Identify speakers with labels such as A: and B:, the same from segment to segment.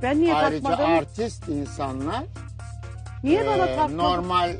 A: Ben niye
B: Ayrıca
A: takmadım?
B: artist insanlar
A: Niye bana takmadın?
B: normal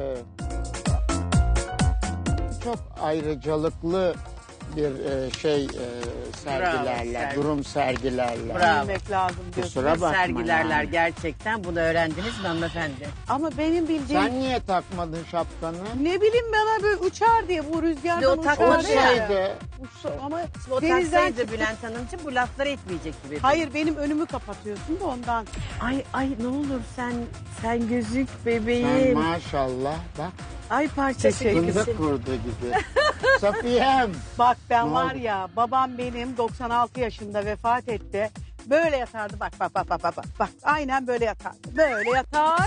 B: çok ayrıcalıklı bir sergilerler,
C: Bravo,
B: durum sergilerler.
C: Bravo.
A: Bilmek lazım diyorsun.
B: Kusura bakma
C: Sergilerler
B: yani.
C: gerçekten. Bunu öğrendiniz mi hanımefendi?
A: Ama benim bildiğim...
B: Sen niye takmadın şapkanı?
A: Ne bileyim bana böyle uçar diye bu rüzgardan
C: Şimdi o
A: uçar
C: takmadı
A: diye.
C: ya.
B: Olsaydı
A: Ama
C: O
A: denizden
C: taksaydı
A: çıktı.
C: Bülent Hanımcığım bu lafları etmeyecek gibi.
A: Hayır benim önümü kapatıyorsun da ondan.
C: Ay ne olur sen gözük
B: sen
C: bebeğim.
B: maşallah bak
C: Ay parçası gibisin.
B: fındık kurdu gibi. Safiyem.
A: Bak ben
B: Ne
A: var
B: oldu?
A: ya babam benim 96 yaşında vefat etti. Böyle yatardı bak. Bak aynen böyle yatardı. Böyle yatar.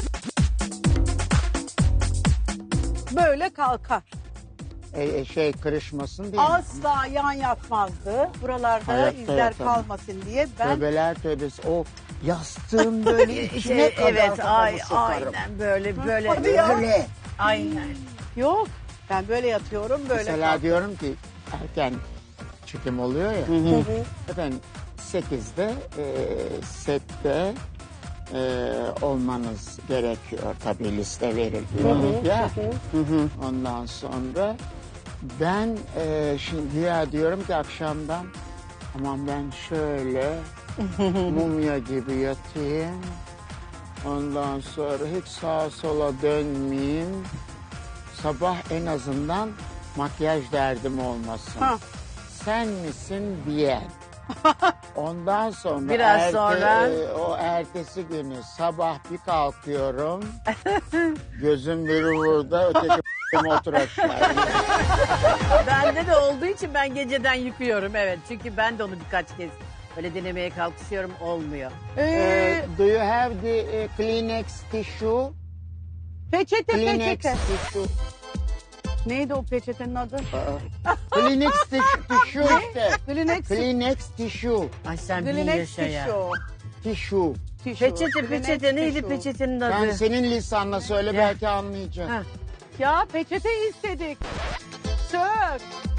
A: Böyle kalkar.
B: Kırışmasın diye.
A: Asla yan yatmazdı. Buralarda
B: Hayatta
A: izler
B: yatamam.
A: kalmasın diye ben
B: Tövbeler tövbesi. O yastığın böyle içine kadar
C: evet
B: kafamı sokarım.
C: aynen böyle
A: Hadi ya.
B: Böyle.
C: aynen.
A: yok. Ben böyle yatıyorum böyle.
B: Mesela diyorum ki erken çekim oluyor ya. Efendim 8'de sette olmanız gerekiyor. Tabii liste veriliyor. Ya. Ondan sonra ben şimdi güya diyorum ki akşamdan aman ben şöyle mumya gibi yatayım. Ondan sonra hiç sağa sola dönmeyeyim. Sabah en azından makyaj derdim olmasın.
A: Ha.
B: Sen misin diyen. Ondan sonra
C: Biraz sonra-
B: o ertesi günü sabah bir kalkıyorum. Gözüm biri burada öteki otur aşağı.
C: Bende de olduğu için ben geceden yıkıyorum evet. Çünkü ben de onu birkaç kez böyle denemeye kalkışıyorum olmuyor.
B: Do you have the Kleenex tissue?
A: Peçete
B: Kleenex
A: peçete.
B: tissue.
A: Neydi o peçetenin adı?
B: Kleenex tissue işte.
A: Kleenex.
B: Kleenex tissue.
C: Ay sen bir
A: Kleenex
C: yaşa ya.
B: Tissue.
C: Peçete neydi peçetenin adı?
B: Sen senin lisanla söyle belki anlayacaksın.
C: Ha.
A: Ya peçete istedik. Sir.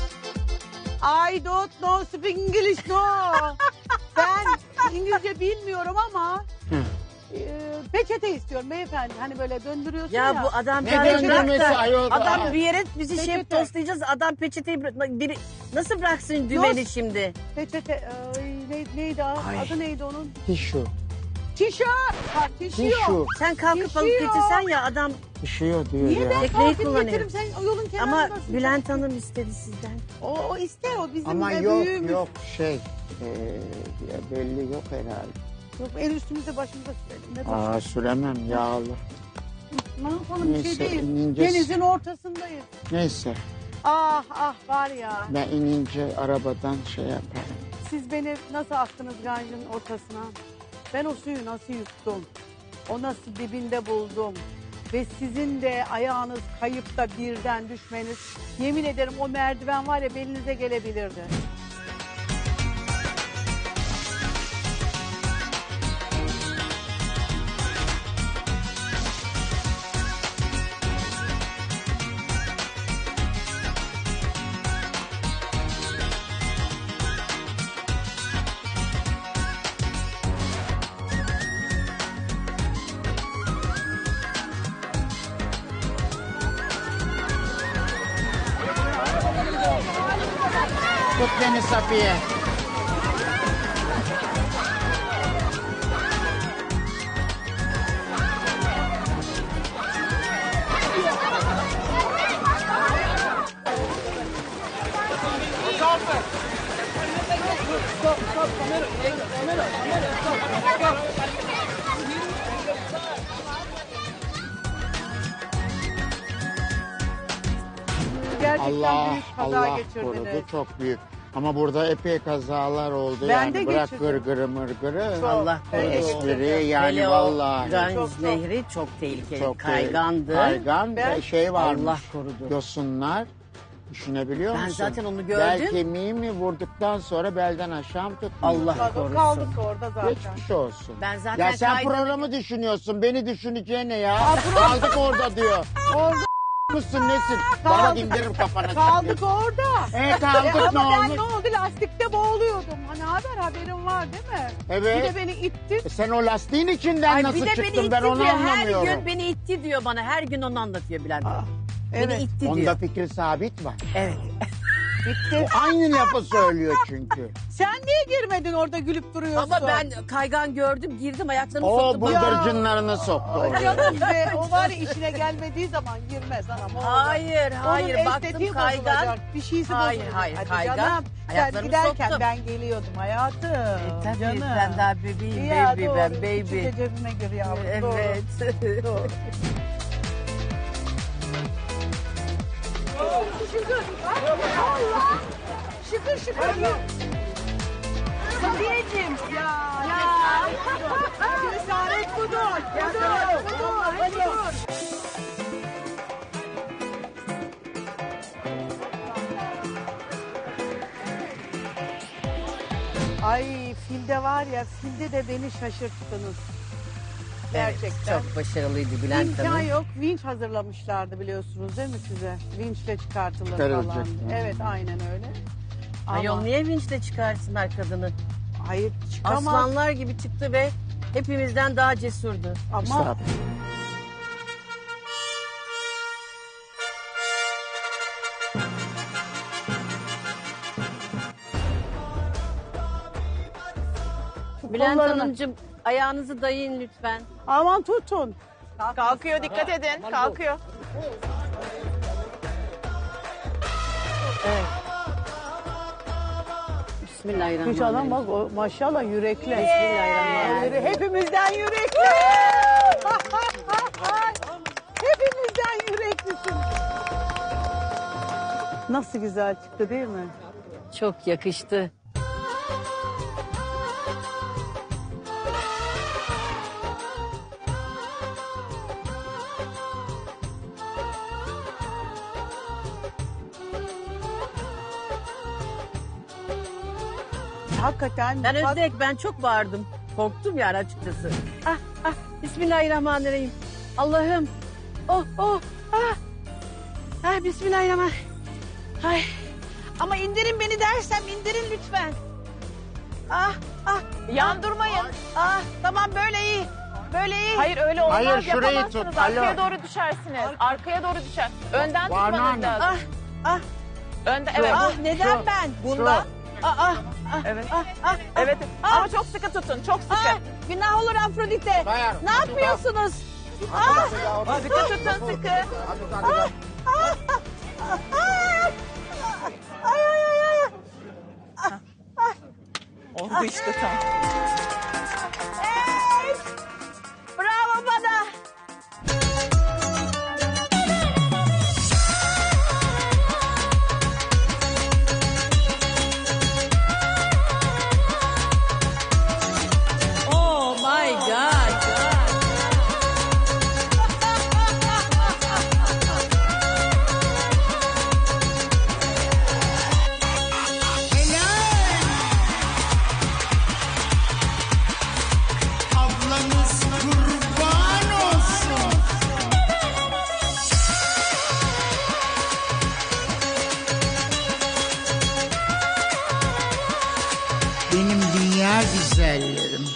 A: I don't know speak English no. Ben İngilizce bilmiyorum ama peçete istiyorum beyefendi. Hani böyle döndürüyorsun ya.
C: Ya bu adam
B: Ne
C: bırak
B: döndürmesi
C: da-
B: ayol?
C: Adam bir yere bizi şey
A: Peçete.
C: postlayacağız. Adam peçeteyi biri nasıl bıraksın dümeni
A: Yok.
C: şimdi?
A: Peçete neydi adı neydi onun?
B: Tissue.
A: Tişört. Ha, tişört.
B: Tissue.
C: Sen kalkıp alıp
A: Yaşıyor.
C: getirsen ya adam
B: Tissue diyor
A: Niye
B: ya.
A: ben
C: Tekneyi
A: kalkıp
C: kullanıyor.
A: getiririm sen yolun
C: ama
A: kenarındasın.
C: Bülent Hanım istedi sizden.
A: O ister o bizim
B: Ama
A: büyüğümüz.
B: yok ya belli yok herhalde.
A: Yok el üstümüzde başımıza sürelim. Ne
B: Aa süremem yağlı.
A: Ne yapalım bir şey
B: Neyse,
A: değil.
B: inince-
A: Denizin ortasındayız.
B: Neyse
A: Ah var ya.
B: ben inince arabadan şey yaparım.
A: Siz beni nasıl attınız ganjın ortasına? Ben o suyu nasıl yuttum? O nasıl dibinde buldum? Ve sizin de ayağınız kayıp da birden düşmeniz. Yemin ederim o merdiven var ya belinize gelebilirdi.
B: Tut beni Safiye.
A: Gerçekten
B: Allah
A: büyük kaza
B: Allah
A: geçirdiniz.
B: korudu çok büyük. Ama burada epey kazalar oldu
A: Ben
B: yani
A: de
B: bırak
A: geçirdim.
B: gırgırı mırgırı.
A: Çok.
C: Allah korusun.
B: Espri yani
C: Hele o
B: vallahi.
C: Ganj
A: Çok.
C: Nehri çok tehlikeli.
B: Çok
C: Kaygandı.
B: Kaygan
A: Ben-
B: ve şey varmış.
C: Allah korudu.
B: Yosunlar. Düşünebiliyor
C: Ben
B: musun?
C: zaten onu
B: Bel
C: gördüm.
B: kemiği mi vurduktan sonra belden aşağı mı tutmuyor?
C: Allah korusun.
A: Kaldık orada zaten.
B: Geçmiş olsun.
C: Ben zaten
B: Ya sen
C: kaydını-
B: programı düşünüyorsun. Beni düşüneceğine ya. Kaldık orada diyor.
A: Orada
B: mısın nesin? Bana bak indiririm kafana.
A: Kaldık orada.
B: Kaldık ne
A: Ama ben
B: olmuş?
A: ne oldu? Lastikte boğuluyordum. Hani haberin var değil mi?
B: Evet.
A: Bir de beni itti.
B: Sen o lastiğin içinden
C: Ay,
B: nasıl
C: bir de beni
B: çıktın
C: itti
B: ben onu
C: diyor. Her
B: anlamıyorum.
C: gün beni itti diyor bana. Her gün onu anlatıyor Bülent Hanım. Beni
A: Evet.
C: itti
B: Onda
C: diyor.
B: fikri sabit var.
C: Evet.
A: Bitti.
B: O aynı lafı söylüyor çünkü.
A: Sen niye girmedin orada gülüp duruyorsun?
C: Ama ben kaygan gördüm, girdim, ayaklarımı
B: O
C: soktum.
B: bıldırcınlarını soktu
A: Ay
B: oraya.
A: canım be, o var ya işine gelmediği zaman girmez anam. o olmaz.
C: Hayır, hayır.
A: Onun
C: Baktım
A: estetiği
C: kaygan.
A: bozulacak. Bir şeysi
C: Hayır,
A: bozulacak.
C: hayır,
A: Hadi
C: kaygan.
A: canım. Sen
C: Ayaklarımı
A: giderken
C: soktum.
A: ben geliyordum hayatım.
C: Tabii
A: Canım.
C: ben daha bebeğim,
A: Ya,
C: baby
A: doğru.
C: ben,
A: Küçük
C: baby.
A: de cebime gir yavrum. Doğru.
C: Evet.
A: Doğru. Şükür. Allah. Şükür şükür. Sabiyeciğim. Ya. Cesaret budur. Budur. Ay filde var ya, filde de beni şaşırttınız. Gerçekten.
C: Çok başarılıydı Bülent
A: İmkan
C: Hanım.
A: yok. Vinç hazırlamışlardı biliyorsunuz değil mi size? Vinçle çıkartılır
B: Çıkarılacak.
A: falan.
B: Hı.
A: Evet aynen öyle.
C: Ayol niye vinçle çıkarsınlar kadını?
A: Hayır çıkamaz.
C: Aslanlar gibi çıktı ve hepimizden daha cesurdu.
A: Ama
B: Estağfurullah.
C: Bülent
A: kollarını-
C: Hanımcığım ayağınızı dayayın lütfen.
A: aman tutun.
D: Kalkıyor, dikkat edin. Kalkıyor.
C: Evet.
A: Hiç adam
C: Bismillahirrahmanirrahim.
A: bak o maşallah yürekli.
C: Bismillahirrahmanirrahim.
A: Hepimizden yürekli. Hepimizden yüreklisin. Nasıl güzel çıktı değil mi?
C: Çok yakıştı.
A: Hakikaten.
C: Ben
A: bak-
C: Özbek, ben çok bağırdım. Korktum yani açıkçası. Bismillahirrahmanirrahim. Allah'ım. Bismillahirrahmanirrahim. Ay. Ama indirin beni dersem indirin lütfen.
D: Yandırmayın.
C: Tamam böyle iyi. Böyle iyi.
D: Hayır öyle olmaz.
B: Hayır, şurayı
D: Yapamazsınız.
B: tut,
D: Arkaya
B: alo.
D: doğru düşersiniz. Arkaya doğru düşer. Önden
B: Banu
D: tutmanız
B: Hanım.
D: lazım. Önden, evet.
C: Neden
B: Şu,
C: ben?
D: Bundan.
C: Evet.
D: Evet. Ama çok sıkı tutun. Çok sıkı.
C: Günah olur Afrodite.
B: Bayar.
C: Ne yapıyorsunuz?
D: Sıkı tutun, sıkı. Oldu işte tam.
C: Bravo bana. Oh my God.
B: Ablanız kurban olsun. Benim dünya güzellerim.